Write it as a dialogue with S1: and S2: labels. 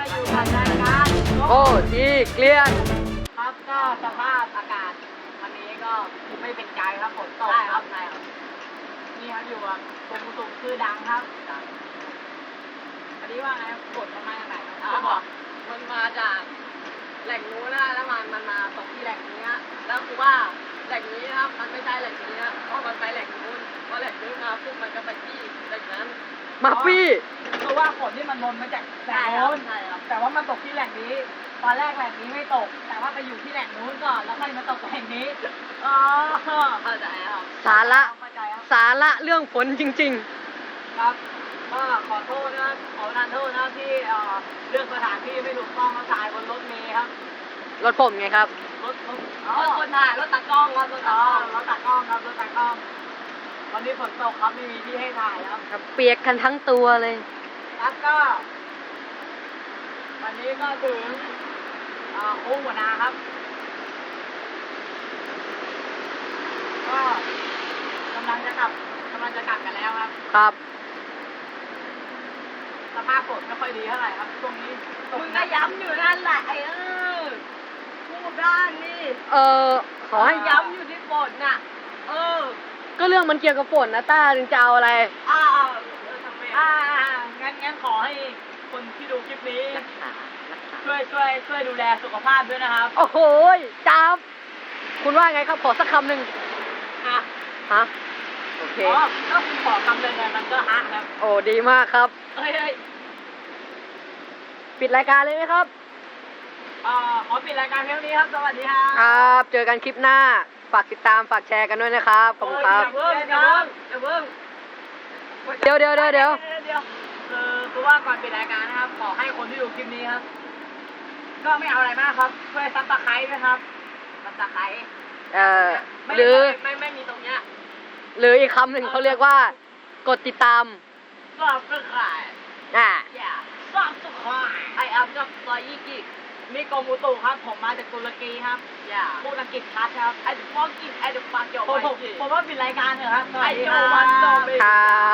S1: อยู่กับรายการ
S2: โอ้ทีเกลียน
S1: ครับก็สภาพอากาศวันนี้ก็ไม่เป็นใจครับฝนตกครับใช่ครับนี่ครับอยู่กับกรมอุตุชื่อดังครับวันนี้ว่าไงฝนมันมาจากไหนครับจะบอก
S2: มันมาจากแหล่งนู้นนะแล้วมันมาตกที่แหล่งนี้ฮะแล้วคือว่าแหล่งนี้นะครับมันไม่ใช่แหล่งนี้ฮะเพราะมันไปแหล่งนู้นเพราะแหล่งนู้นมาปุ๊บมันก็ไปที่แหล่งนั้นมาปี้
S1: คือว่าฝนที่มันลนมาจากแหล่งโน้น
S2: ใช่ครับ
S1: แต่ว่ามันตกที่แหล่งนี้ ตอนแรกแหล่งนี้ไม่ตก แต่ว่าไปอยู่ที่แหล่งนู้นก่อนแล้วค่อยมาตกแหล่งนี้อ๋อ
S2: เข้าใจครับ
S1: สาระเข้าใจครับ
S2: สาระเรื่องฝนจริง
S1: ครับก็ขอโทษนะครับขอประทานโทษนะครับที่เรื่องสถานที่ไม่ถูกต้องมาถ่ายบนรถเมล์ครับ
S2: ๆรถผมไงครับ
S1: รถ
S2: คนถ่ายรถตากล้องครับรถตากล้อง
S1: รถตากล้องครับรถตากล้อง วันนี้ฝนตกครับไม่มีที่ให้ถ่ายครับ
S2: ครับเปียกกันทั้งตัวเลย
S1: แล้วก็ วันนี้ก็ถึงโค้งหัวนาครับ ก็กำลังจะกลับกันแล้วครับ
S2: ครับ
S1: สภาพฝนไม่ค่อยดีเท่าไหร่ครับช่วงนี้
S2: มึงก็ย้ำอยู่นั่นแหละไอ้พูดด้านนี่ขอให้ย้ำอยู่ที่ฝนน่ะ ก็เรื่องมันเกี่ยวกับฝนนะต้าถึงจะเอาอะไร
S1: ทำไมงั้นขอให้คนที่ดูคลิปนี้ ช่วยดูแลสุขภาพด้วยนะครับ
S2: โอ้โหจับคุณว่าไงครับขอสักคำหนึ่ง
S1: อ่ะ
S2: ฮะโอเค
S1: ก็ขอคำเลยไงมันก็ฮะครับ
S2: โอ้ดีมากครับ
S1: เฮ้ย
S2: ปิดรายการเลยไหมครับ
S1: ขอปิดรายการเท่านี้ครับ สวัสดีครับ
S2: ครับเจอกันคลิปหน้าฝากติดตามฝากแชร์กันด้วยนะครับขอบคุณครับ
S1: อย่าเพิ่ง
S2: เดี๋ยว
S1: คือว่าก่อนปิดรายการนะครับ ขอให้คนที่ดูคลิปนี้ครับ ก็ไม่เอาอะไรมากครับช่วยซับสไครต์นะครับซับสไครต์
S2: หรือ
S1: ไม่มีตรงเนี้ย
S2: หรืออีกคำหนึ่งเขาเรียกว่ากดติดตาม
S1: ซับสไครต์ อย่าซับสไครต์ไออัพกับซอยยี่กิมีกรมอุตุครับ ผมมาจากตุรกีครับ อย่าพูดอังกฤษชัดครับไอเดฟอกกินไอเดฟักโยผมว่าปิดรายการเถอะครับ
S2: ครับ